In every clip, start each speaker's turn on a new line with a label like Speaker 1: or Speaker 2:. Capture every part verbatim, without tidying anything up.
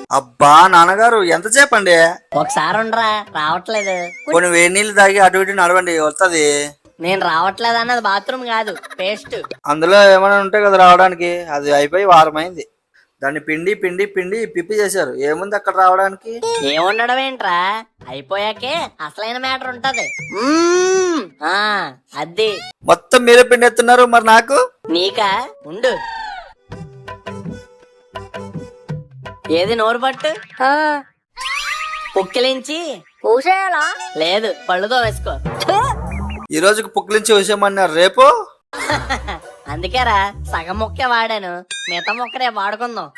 Speaker 1: అబ్బా నాన్నగారు ఎంతసేపు అండి?
Speaker 2: ఒకసారి ఉండరా, రావట్లేదు.
Speaker 1: కొన్ని వేడి నీళ్ళు తాగి అటు ఇటు నడవండి, వస్తుంది.
Speaker 2: నేను రావట్లేదు అన్నది బాత్రూమ్ కాదు, పేస్ట్.
Speaker 1: అందులో ఏమైనా ఉంటే కదా రావడానికి. అది అయిపోయి వారం అయింది. దాన్ని పిండి పిండి పిండి పిప్పి చేశారు. ఏముంది అక్కడ రావడానికి?
Speaker 2: ఏముండడం ఏంట్రా, అయిపోయాకే అసలైన మ్యాటర్ ఉంటది. మ్మ్. ఆ అద్ది
Speaker 1: మొత్తం మీరే పిండి ఎత్తున్నారు, మరి నాకు
Speaker 2: నీకా? ఉండు. ఏది నోరు పట్టు, పుక్కిలించి పూసేయాలా? లేదు, పళ్ళుతో వేసుకో.
Speaker 1: ఈ రోజుకి పుక్కిలించి వేసేయమన్నారు, రేపు
Speaker 2: అందుకేరా సగం మొక్కే వాడాను, మిగతా మొక్క రేపు వాడుకుందాం.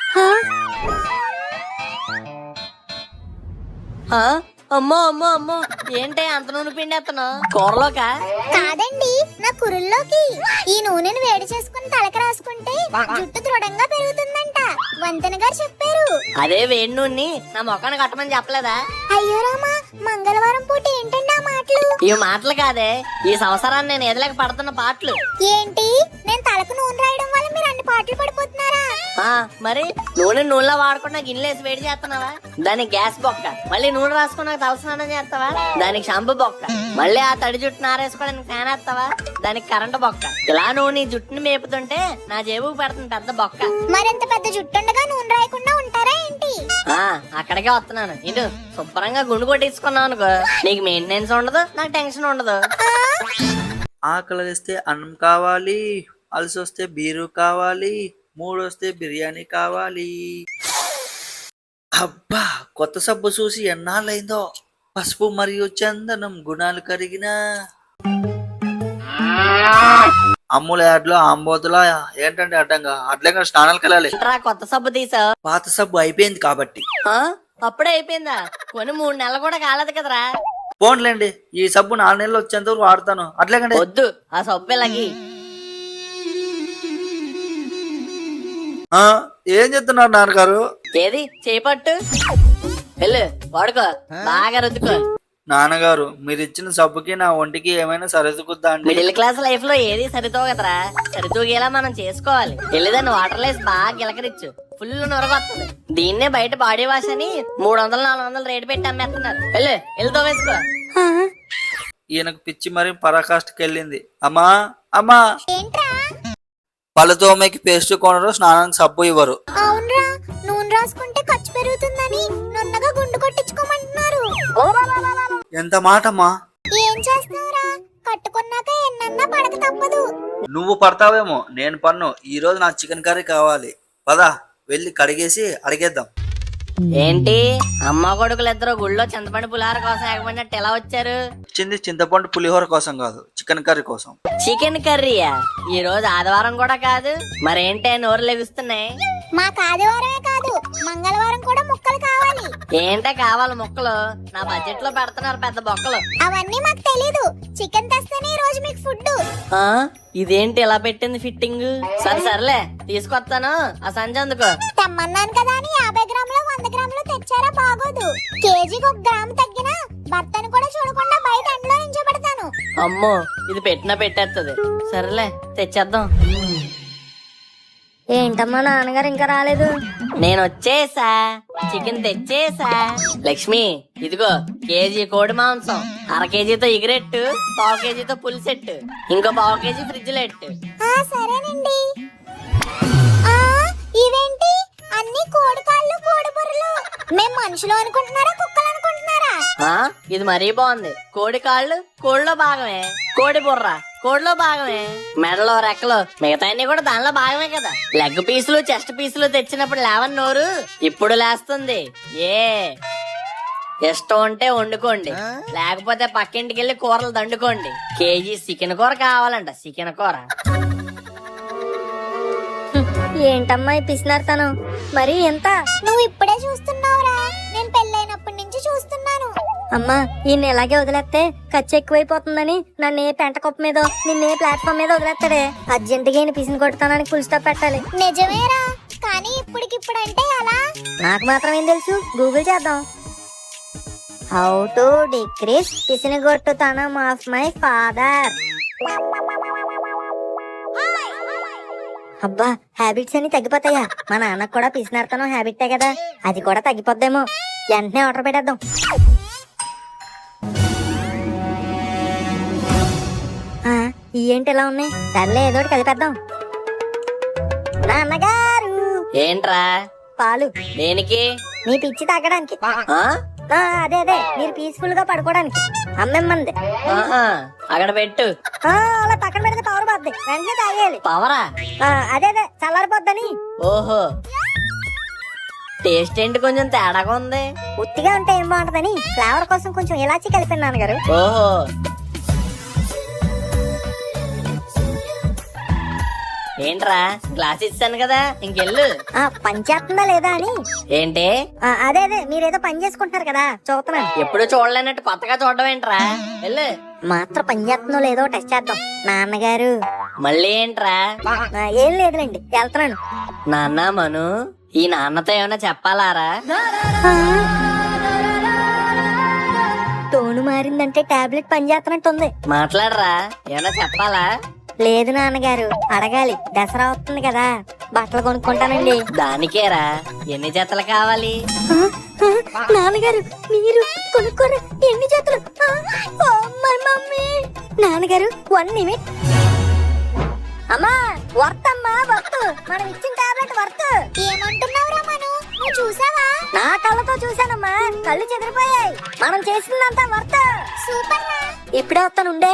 Speaker 2: ఆ? అమ్మో అమ్మో అమ్మో, ఏంటి అంత నూనె పిండేత్తను? కూరలోకా?
Speaker 3: కాదండి, నా కురుల్లోకి. ఈ నూనెను వేడి చేసుకుని తలకి రాసుకుంటే జుట్టు దృఢంగా పెరుగుతుందంట. వంతెన గారు చెప్పారు.
Speaker 2: అదే వేడి నూనె నా మొక్కను కట్టమని చెప్పలేదా?
Speaker 3: అయ్యో రామా, మంగళవారం పూట ఏంటండి ఆ మాటలు?
Speaker 2: ఈ మాటలు కాదే, ఈ సంవత్సరాన్ని నేను ఎదలేక పడుతున్న పాటలు.
Speaker 3: ఏంటి, నేను తలకు నూనె రాయడం వల్ల మీరు అన్ని పాటలు పడిపోతున్నారా?
Speaker 2: ఆ మరి నూనె నూనెలో వాడకుండా గిన్నెలేసి వేడి చేస్తున్నావా? దానికి గ్యాస్ బొక్క. మళ్ళీ నూనె రాసుకున్నాక తలస్నానం చేస్తావా? దానికి షాంపూ బొక్క. మళ్ళీ ఆ తడి జుట్టు నారేసుకోవడానికి ఫ్యాన్ వేస్తావా? దానికి కరెంటు బొక్క. ఇలా నువ్వు నీ జుట్టుని మేపుతుంటే నా జేబుకు పెడుతుంది పెద్ద బొక్క.
Speaker 3: మరింత పెద్ద జుట్టుండగా నూనె రాయకుండా ఉంటారా ఏంటి?
Speaker 2: ఆ అక్కడికే వస్తున్నాను. ఇటు శుభ్రంగా గుండు కొట్టించుకున్నావు అనుకో, నీకు మెయింటెనెన్స్ ఉండదు, నాకు టెన్షన్ ఉండదు.
Speaker 1: ఆకలి వేస్తే అన్నం కావాలి, అలసి వస్తే బీరు కావాలి, మూడు వస్తే బిర్యానీ కావాలి. అబ్బా, కొత్త సబ్బు చూసి ఎన్నాళ్ళైందో. పసుపు మరియు చందనం గుణాలు కరిగిన అమ్ముల యాడ్లో ఆంబోతులా ఏంటంటే అడ్డంగా అడ్లంగా స్నానాలకు వెళ్ళాలి.
Speaker 2: కొత్త సబ్బు తీసావు?
Speaker 1: పాత సబ్బు అయిపోయింది కాబట్టి.
Speaker 2: అప్పుడే అయిపోయిందా? కొన్ని మూడు నెలలు కూడా కాలేదు కదరా.
Speaker 1: పోన్లేండి, ఈ సబ్బు నాలుగు నెలలు వచ్చేంత వరకు వాడతాను. అట్లేకండి.
Speaker 2: వద్దు, ఆ సబ్బు ఇలాగి.
Speaker 1: ఏం చెప్తున్నారు నాన్నగారు?
Speaker 2: ఏది చేపట్టు, వెళ్ళు వాడుకో, బాగా రుద్దుకో.
Speaker 1: నాన్నగారు, మీరు ఇచ్చిన సబ్బుకి నా ఒంటికి ఏమైనా సరితుకుద్దా అండి?
Speaker 2: మిడిల్ క్లాస్ లైఫ్ లో ఏది సరితో కదరా, సరితూగేలా మనం చేసుకోవాలి. వెళ్ళిదాన్ని వాటర్ లేసి బాగా గిలకరిచ్చు, ఫుల్ నొరగొస్తుంది. దీన్నే బయట బాడీ వాష్ అని మూడు వందలు నాలుగు వందలు రేటు పెట్టి అమ్మేస్తున్నారు. వెళ్ళు వెళ్ళితో వేసుకో.
Speaker 1: ఈయనకు పిచ్చి మరి పరాకాష్ఠకి వెళ్ళింది. అమ్మా అమ్మా, పళ్ళు తోమేకి పేస్ట్ కొనరు, స్నానానికి సబ్బు ఇవ్వరు.
Speaker 3: అవునరా, నూనె రాసుకుంటే ఖర్చు పెరుగుతుందని నున్నగా గుండు కొట్టించుకోమంటున్నారు.
Speaker 1: ఎంత మాటమ్మా.
Speaker 3: ఏం చేస్తావురా, కట్టుకున్నాక ఎన్నన్నా పడక తప్పదు.
Speaker 1: నువ్వు పడతావేమో, నేను పన్ను. ఈ రోజు నాకు చికెన్ కర్రీ కావాలి. పదా వెళ్ళి కడిగేసి అడిగేద్దాం.
Speaker 2: ఏంటి అమ్మ కొడుకులు ఇద్దరు గుళ్ళో చింతపండు పులిహోర కోసం ఎగబడినట్టు ఎలా వచ్చారు?
Speaker 1: వచ్చింది చింతపండు పులిహోర కోసం కాదు, చికెన్ కర్రీ కోసం.
Speaker 2: చికెన్ కర్రీయా? ఈ రోజు ఆదివారం కూడా కాదు, మరేంటే నోరు లెగుస్తున్నాయి?
Speaker 3: మాకు ఆదివారమే కాదు, మంగళవారం కూడా ముక్కలు కావాలి.
Speaker 2: ఏంటే కావాలి ముక్కలు? నా బడ్జెట్ లో పెడుతున్నారు పెద్ద బొక్కలు.
Speaker 3: అవన్నీ మాకు తెలీదు, చికెన్ తెస్తేనే ఈ రోజు మీకు ఫుడ్.
Speaker 2: ఆ ఇదేంటి ఇలా పెట్టింది ఫిట్టింగ్? సరే సర్లే తీసుకొస్తాను, ఆ సంజ అందుకో.
Speaker 3: తెమ్మన్నాను కదా అని యాభై గ్రాములు వంద గ్రాములు తెచ్చారా బాగోదు. కేజీకి ఒక గ్రాము తగ్గినా భర్తను కూడా చూడకుండా బయట ఎండలో నించోబెడతాను.
Speaker 2: అమ్మో, ఇది పెట్టినా పెట్టేస్తుంది. సరేలే తెచ్చేద్దాం.
Speaker 3: ఏంటమ్మా నాన్నగారు ఇంకా రాలేదు?
Speaker 2: నేను వచ్చేసా, చికెన్ తెచ్చేసా. లక్ష్మి ఇదిగో కేజీ కోడి మాంసం, అర కేజీతో ఎగిరెట్టు, పావు కేజీతో పులిసెట్టు, ఇంకో పావు కేజీ ఫ్రిడ్జ్ లో ఎట్టు.
Speaker 3: సరేనండి. ఇవేంటి అన్ని కోడి కాళ్ళు కోడి బుర్రలు? మేము మనుషులు అనుకుంటున్నారా కుక్కలు అనుకుంటున్నారా?
Speaker 2: ఇది మరీ బాగుంది. కోడి కాళ్ళు కోడిలో భాగమే, కోడి బుర్ర కోడిలో భాగమే, మెడలో రెక్కలు మిగతా కూడా దానిలో భాగమే కదా. లెగ్ పీసులు చెస్ట్ పీసులు తెచ్చినప్పుడు లేవని నోరు ఇప్పుడు లేస్తుంది. ఏ ఇష్టం ఉంటే వండుకోండి, లేకపోతే పక్కింటికి వెళ్ళి కూరలు దండుకోండి. కేజీ చికెన్ కూర కావాలంట, చికెన్ కూర.
Speaker 3: ఏంటమ్మా పిసినార్తను మరి ఎంత? నువ్వు ఇప్పుడే చూస్తున్నావురా, నేను పెళ్ళైనప్పటి నుంచి చూస్తున్నాను.
Speaker 4: అమ్మా ఈయన ఇలాగే వదిలేస్తే ఖర్చు ఎక్కువైపోతుందని నన్ను ఏ పెంట కుప్ప మీద నిన్నే ప్లాట్ఫామ్ మీద వదిలేస్తాడే. అర్జెంట్ గా ఈయన పిసిని కొడతానని ఫుల్ స్టాప్ పెట్టాలి.
Speaker 3: నిజమేరా, కానీ ఇప్పటికిప్పుడు అంటే అలా
Speaker 4: నాకు మాత్రం ఏం తెలుసు, గూగుల్ చేద్దాం. హౌ టు డిక్రీస్ పిసినిగొట్టుతనం ఆఫ్ మై ఫాదర్. అబ్బా హ్యాబిట్స్ అన్ని తగ్గిపోతాయా? మా నాన్నకు కూడా పిసినారుతనం హ్యాబిటే కదా, అది కూడా తగ్గిపోద్దేమో. వెంటనే ఆర్డర్ పెట్టేద్దాం. ఆ, ఈ ఏంటి ఎలా ఉన్నాయి? సర్లే ఏదో ఒకటి కలిపేద్దాం. నాన్నగారు
Speaker 2: ఏంట్రా?
Speaker 4: పాలు.
Speaker 2: దేనికి?
Speaker 4: మీ పిచ్చి తగ్గడానికి.
Speaker 2: ఆ?
Speaker 4: ఆ, అదే అదే మీరు పీస్ఫుల్ గా పడుకోవడానికి. అమ్మెమ్మంది.
Speaker 2: ఆహా, అక్కడ పెట్టు.
Speaker 4: ఆ, అలా పక్కన పెడితే పవర్ పోద్ది, వెంటనే తాగేయాలి.
Speaker 2: పవరా?
Speaker 4: ఆ, అదే అదే చల్లారిపోద్దని.
Speaker 2: ఓహో, టేస్ట్ ఏంటి కొంచెం తేడాగా ఉంది.
Speaker 4: ఉత్తిగా ఉంటే ఏం బాగుంటదని ఫ్లేవర్ కోసం కొంచెం ఇలాచి కలిపాను నాన్నగారు.
Speaker 2: ఓహో, ఏంట్రా గ్లాస్ ఇచ్చాను కదా, ఇంకెళ్ళు.
Speaker 4: ఆ, పని చేస్తుందా లేదా అని.
Speaker 2: ఏంటి?
Speaker 4: ఆ, అదే అదే మీరేదో పని చేసుకుంటున్నారు కదా, చూస్తున్నాను.
Speaker 2: ఎప్పుడు చూడలేనట్టు కొత్తగా చూడడం ఏంట్రా? వెళ్ళు.
Speaker 4: మాత్రం పని చేస్తుందో లేదో టెస్ట్ చేద్దాం. నాన్నగారు.
Speaker 2: మళ్ళీ ఏంట్రా?
Speaker 4: ఆ, ఏం లేదులేండి, వెళ్తున్నాను.
Speaker 2: నాన్న మను, ఈ నాన్నతో ఏమైనా చెప్పాలారా?
Speaker 4: ఆ, టోను మారిందంటే టాబ్లెట్ పని చేస్తున్నట్టుంది.
Speaker 2: మాట్లాడరా, ఏమైనా చెప్పాలా?
Speaker 4: లేదు నాన్నగారు, అడగాలి. దసరా వస్తుంది కదా, బట్టలు కొనుక్కుంటానండి.
Speaker 2: దానికేరా, ఎన్ని జతలు కావాలి?
Speaker 4: ఆ, ఆ, నాన్నగారు మీరు కొనుక్కోరా, ఎన్ని చేతులు? ఆ, ఓ మై మమ్మీ. నాన్నగారు వన్ నిమిట్. అమ్మా వర్త్ అమ్మా వర్త్, మనం ఇచ్చిన టాబ్లెట్ వర్త్.
Speaker 3: ఏమంటున్నావురా మను? నువ్వు చూసావా?
Speaker 4: నా కళ్ళతో చూశానమ్మా, కళ్ళు చెదిరిపోయాయి. మనం చేసిందంతా వర్త్.
Speaker 3: సూపర్ రా.
Speaker 4: ఇప్పుడే వస్తానుండే.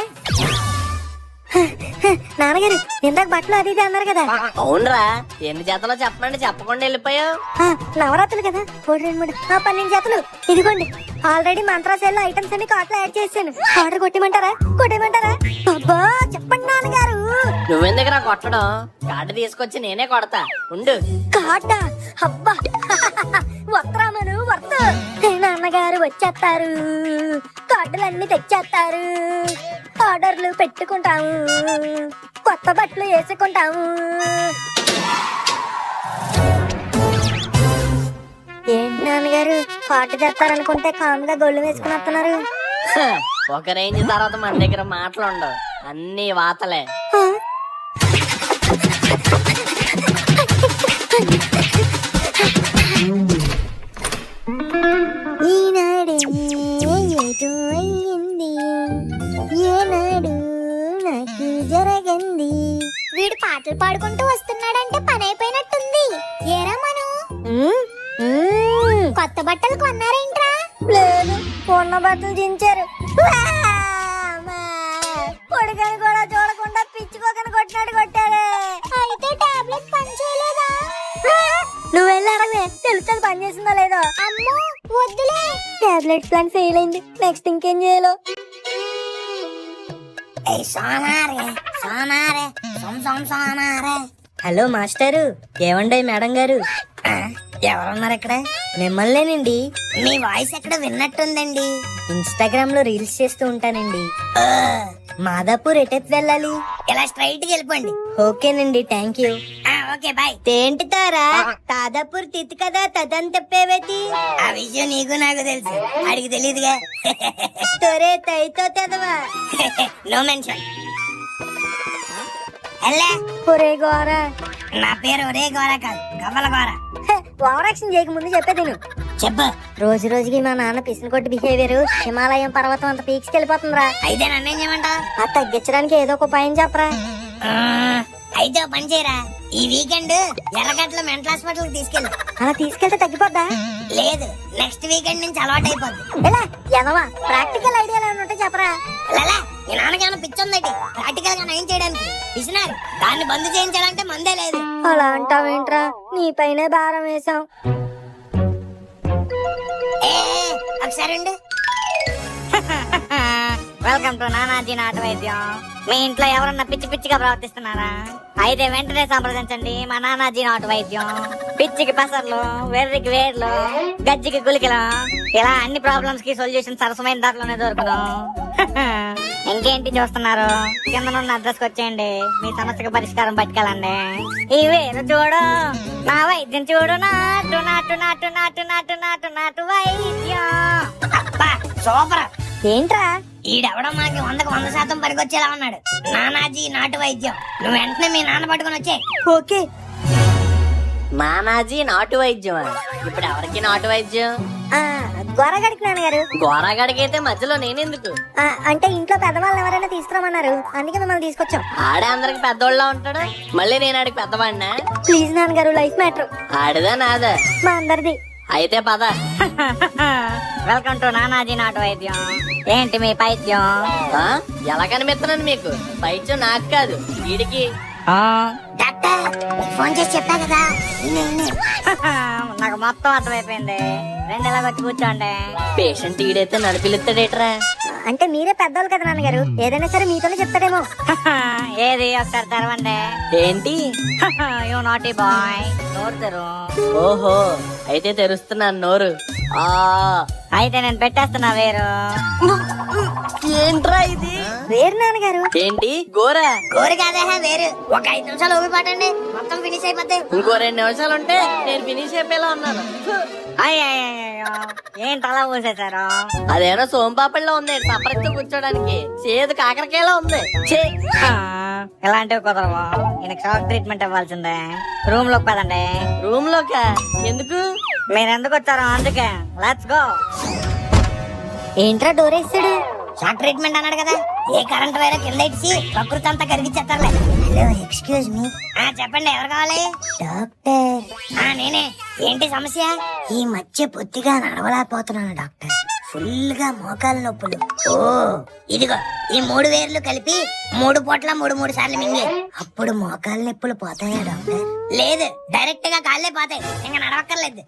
Speaker 4: నాన్నగారు ఇందాక బట్టలు అది ఇది అన్నారు కదా.
Speaker 2: అవునరా, ఎన్ని జతలో చెప్పమండి, చెప్పకుండా వెళ్ళిపోయావు.
Speaker 4: ఆ, నవరాత్రులు కదా, ఒకటి రెండు మూడు ఆ, పన్నెండు జతలు. ఇదిగోండి, ఆల్రెడీ మంత్రాసేల్లో ఐటమ్స్ అన్ని కార్ట్లో యాడ్ చేశాను. ఆర్డర్ కొట్టమంటారా? కొట్టేయమంటారా? అబ్బా చెప్పండి నాన్నగారు.
Speaker 2: నువ్వెందుకురా కొట్టడం? కార్డు తీసుకొచ్చి నేనే కొడతా, ఉండు.
Speaker 4: కాటా? అబ్బా వస్త్రామను వర్త. నాన్నగారు వచ్చేస్తారు, కార్డులన్నీ తెచ్చేస్తారు, ఆర్డర్లు పెట్టుకుంటాము, కొత్త బట్టలు వేసుకుంటాము. ఏంటి నాన్నగారు కార్డు తెస్తారనుకుంటే కామ్గా గొళ్ళు వేసుకుని వస్తున్నారు?
Speaker 2: హ, ఒక రేంజ్ తర్వాత మన దగ్గర మాటలు ఉండవు, అన్ని వాతలే.
Speaker 4: ఆ? ఈనాడే ఏదో అయ్యింది, ఏనాడు నాకు జరగంది.
Speaker 3: వీడు పాటలు పాడుకుంటూ వస్తున్నాడంటే పని అయిపోయినట్టుంది. ఏరా మను,
Speaker 4: ఉమ్, ఉమ్.
Speaker 3: కొత్త బట్టలు కొన్నారేంట్రా?
Speaker 4: లేదు, కొన్న బట్టలు దించారు. కొడుకని కూడా చూడకుండా పిచ్చుకోకని కొట్టినాడు కొట్టారే.
Speaker 3: అయితే టాబ్లెట్ పని చేయలేదా?
Speaker 4: నువ్వు వెళ్ళి అడగవే, తెలుస్తుంది పని చేసిందో లేదో.
Speaker 3: అమ్మో వద్దులే.
Speaker 4: టాబ్లెట్ ప్లాన్ ఫెయిల్ అయింది, నెక్స్ట్ ఇంకేం చేయాలో. Hello master. ఏమండి మేడం గారు? ఎవరున్నారు ఇక్కడ? మిమ్మల్నేనండి.
Speaker 3: మీ వాయిస్ ఎక్కడ విన్నట్టుందండి.
Speaker 4: ఇన్స్టాగ్రామ్ లో రీల్స్ చేస్తూ ఉంటానండి. మాదాపూర్ ఎటెప్ వెళ్ళాలి?
Speaker 3: ఇలా స్ట్రైట్ గా వెళ్ళిపోండి.
Speaker 4: ఓకేనండి, థ్యాంక్ యూ.
Speaker 3: Okay bye.
Speaker 4: తేంటి తారా తాదాపూర్ తిత్తి కదా, తదని తెప్పేవేతి.
Speaker 3: ఆ విషయం నీకు నాకు తెలుసు, అడిగి తెలియదుగా.
Speaker 4: తొరే తైతో తెదవా.
Speaker 3: No mention. హలో,
Speaker 4: ఒరే గోరా.
Speaker 3: నా పేరు ఒరే గోర కాదు, గవ్వల గోర.
Speaker 4: ఓవర్ యాక్షన్ చేయక ముందు చెప్పేది నువ్వు.
Speaker 3: చెప్పు.
Speaker 4: రోజు రోజుకి మా నాన్న పిసిన కొట్టి బిహేవియర్ హిమాలయం పర్వతం అంత పీక్స్కి వెళ్ళిపోతుందిరా.
Speaker 3: అయితే నన్నేం చేయమంటావు?
Speaker 4: అది తగ్గించడానికి ఏదో ఒక ఉపాయం చెప్పరా.
Speaker 3: అయితే ఓ పని చేయరా, ఈ వీకెండ్ ఎర్రగడ్డలో మెంటల్ హాస్పిటల్ తీసుకెళ్ళు.
Speaker 4: అలా తీసుకెళ్తే తగ్గిపోద్దా?
Speaker 3: లేదు, నెక్స్ట్ వీకెండ్ నుంచి అలవాటు అయిపోద్ది.
Speaker 4: ఎలా ఎదవా, ప్రాక్టికల్ ఐడియాలు ఏమైనా ఉంటే చెప్పరా.
Speaker 3: లలా, మీ నాన్నకేమైనా పిచ్చుందటి ప్రాక్టికల్ గా నయం చేయడానికి? పిసినారు, దాన్ని బంద్ చేయించాలంటే మందే లేదు.
Speaker 4: అలా అంటావేంట్రా, నీ పైనే భారం వేసాం.
Speaker 3: ఏ, ఒకసారి ఉండు. వెల్కమ్ టు నానాజీ నాటు వైద్యం. మీ ఇంట్లో ఎవరన్నా పిచ్చి పిచ్చిగా ప్రవర్తిస్తున్నారా? అయితే వెంటనే సంప్రదించండి మా నానాజీ నాటు వైద్యం. పిచ్చికి పెసర్లు, వెర్రికి వేర్లు, గజ్జికి గులికలు, ఇలా అన్ని ప్రాబ్లమ్స్ కి సొల్యూషన్ సరసమైన ధరలోనే దొరుకును. ఇంకేంటి చూస్తున్నారు? కిందనున్న అడ్రస్ కి వచ్చేయండి, మీ సమస్యకు పరిష్కారం పట్టుకెళ్ళండి. ఈ వేరు చూడు, నా వైద్యం చూడు, నాటు నాటు నాటు నాటు నాటు నాటు నాటు వైద్యం. అబ్బా సూపర్.
Speaker 4: ఏంట్రా?
Speaker 3: ఈడెవడో మనకి వందకు వంద శాతం పనికొచ్చేలా ఉన్నాడు. నానాజీ నాటు వైద్యం. నువ్వు వెంటనే మీ నాన్న పట్టుకుని వచ్చే.
Speaker 4: ఓకే.
Speaker 2: నానాజీ నాటు వైద్యం. ఇప్పుడు ఎవరికి నాటు వైద్యం?
Speaker 4: ఆ, గొరగడికి నాన్నగారు.
Speaker 2: గోరాగడికి అయితే మధ్యలో నేనెందుకు?
Speaker 4: ఆ, అంటే ఇంట్లో పెద్దవాళ్ళని ఎవరైనా తీసుకురామన్నారు, అందుకే మిమ్మల్ని తీసుకొచ్చాం.
Speaker 2: ఆడే అందరికి పెద్దోళ్ళ ఉంటాడు, మళ్ళీ నేను ఆడికి పెద్దవాడినా?
Speaker 4: ప్లీజ్ నాన్నగారు, లైఫ్ మ్యాటర్.
Speaker 2: ఆడిదా నాదా?
Speaker 4: మా అందరిది.
Speaker 2: అయితే పద.
Speaker 3: వెల్కమ్ టు నానాజీ నాటు వైద్యం. ఏంటి మీ పైద్యం?
Speaker 2: ఆ? ఎలా కనిపిస్తున్నాను మీకు? పైత్యం నాకు కాదు, వీడికి.
Speaker 3: డాక్టర్ ఫోన్ చేసి చెప్పా కదా. నాకు మొత్తం అర్థమైపోయింది. రెండు ఇలా వచ్చి కూర్చోండి.
Speaker 2: పేషెంట్ ఈడైతే నడిపిలుస్తాడేట్రా?
Speaker 4: అంటే మీరే పెద్దవాళ్ళు కదా నాన్నగారు, ఏదైనా సరే మీతోనే చెప్తాడేమో.
Speaker 3: ఏది ఒకసారి తెరవండి.
Speaker 2: ఏంటి?
Speaker 3: You naughty boy. నోరు తెరు.
Speaker 2: ఓహో, అయితే తెరుస్తున్నాను నోరు. ఆ
Speaker 3: అయితే నేను పెట్టేస్తున్నా వేరు.
Speaker 2: ఏంట్రా ఇది?
Speaker 4: వేరు నాన్నగారు.
Speaker 2: ఏంటి గోరా?
Speaker 3: కోరి కాదే వేరు. ఒక ఐదు నిమిషాలు ఊపి పట్టండి, మొత్తం ఫినిష్ అయిపోతాయి.
Speaker 2: ఇంకో రెండు నిమిషాలు ఉంటే నేను ఫినిష్ అయిపోయేలా ఉన్నాను.
Speaker 3: అయ్యో ఏంటి అలా ఊసేశారు?
Speaker 2: అదేమో సోంపాపడిలో ఉంది, సపరేట్ కూర్చోడానికి. చేదు కాకరకాయలా ఉంది. ఛీ!
Speaker 3: ఇలాంటివి కుదరవు. ఈయనకి షాక్ ట్రీట్మెంట్ ఇవ్వాల్సిందే. రూమ్ లోకి పదండి.
Speaker 2: రూమ్ లోకా? ఎందుకు?
Speaker 3: మీరు ఎందుకు వచ్చారో అందుకే. Let's go.
Speaker 4: ఏంట్రా డోర్ వేసాడు?
Speaker 3: షాక్ ట్రీట్మెంట్ అన్నాడు కదా, ఏ కరెంట్ వైర్ కింద ఇచ్చి ప్రకృతి అంతా కరిగిచ్చేస్తారులే.
Speaker 4: Hello, excuse me.
Speaker 3: ఆ, చెప్పండి ఎవరు కావాలి?
Speaker 4: డాక్టర్,
Speaker 3: ఆ నేనే. ఏంటి సమస్య?
Speaker 4: ఈ మధ్య బొత్తిగా నడవలేకపోతున్నాను డాక్టర్. ఫుల్ గా మోకాలు నొప్పులు.
Speaker 3: ఓ ఇదిగో ఈ మూడు వేర్లు కలిపి మూడు పూట్ల మూడు మూడు సార్లు మింగి.
Speaker 4: అప్పుడు మోకాలు నొప్పులు పోతాయా డాక్టర్?
Speaker 3: లేదు, డైరెక్ట్ గా కాళ్ళే పోతాయి, ఇంకా నడవక్కర్లేదు.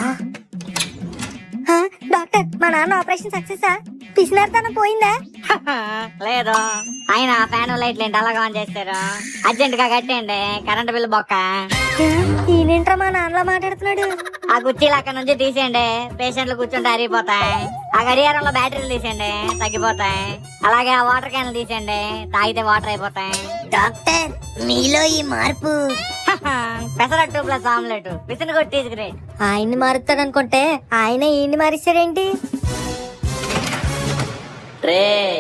Speaker 4: హా, డాక్టర్ మా నాన్న ఆపరేషన్ సక్సెస్? పిసినార్తనం పోయిందా?
Speaker 3: లేదు, ఆయన ఫ్యాన్ లైట్లు ఏంటి అలాగా ఆన్ చేస్తారు? అర్జెంట్ గా కట్టేయండి, కరెంట్ బిల్లు బొక్క.
Speaker 4: ఈయనేంట్రా మా నాన్నలా మాట్లాడుతున్నాడు?
Speaker 3: ఆ కుర్చీలు అక్కడ నుంచి తీసేయండి, పేషెంట్లు కూర్చుంటే అరిగిపోతాయి. ఆ గడియారంలో బ్యాటరీలు తీసేయండి, తగ్గిపోతాయి. అలాగే ఆ వాటర్ క్యాన్లు తీసేయండి, తాగితే వాటర్ అయిపోతాయి.
Speaker 4: డాక్టర్, మీలో ఈ మార్పు.
Speaker 3: పెసరట్టు ప్లస్ ఆమ్లెట్ విసిని కొట్టి గ్రేట్.
Speaker 4: ఆయన్ని మారుతాడు అనుకుంటే ఆయన ఈయన్ని మారిస్తాడేంటి?
Speaker 2: రే,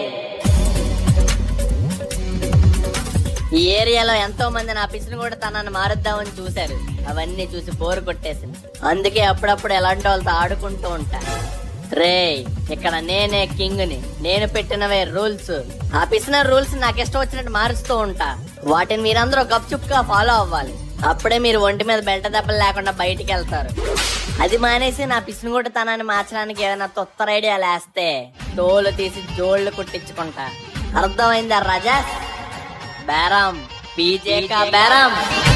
Speaker 2: ఈ ఏరియాలో ఎంతో మంది నా పిసిని కూడా తనని మారుద్దామని చూశారు. అవన్నీ చూసి బోరు కొట్టేసింది. అందుకే అప్పుడప్పుడు ఎలాంటి వాళ్ళతో ఆడుకుంటూ ఉంటా. రే, ఇక్కడ నేనే కింగ్ ని. నేను పెట్టినవే రూల్స్. ఆ పిసిన రూల్స్ నాకు ఇష్టం వచ్చినట్టు మారుస్తూ ఉంటా. వాటిని మీరందరూ గప్చుప్ గా ఫాలో అవ్వాలి. అప్పుడే మీరు ఒంటి మీద బెల్ట దెబ్బలు లేకుండా బయటికి వెళ్తారు. అది మానేసి నా పిసినిగొట్టు తనాన్ని మార్చడానికి ఏదైనా తొత్తర ఐడియా లేస్తే తోలు తీసి జోళ్లు కుట్టించుకుంటా. అర్థమైందా రాజా? బేరం పీజే కా బేరం.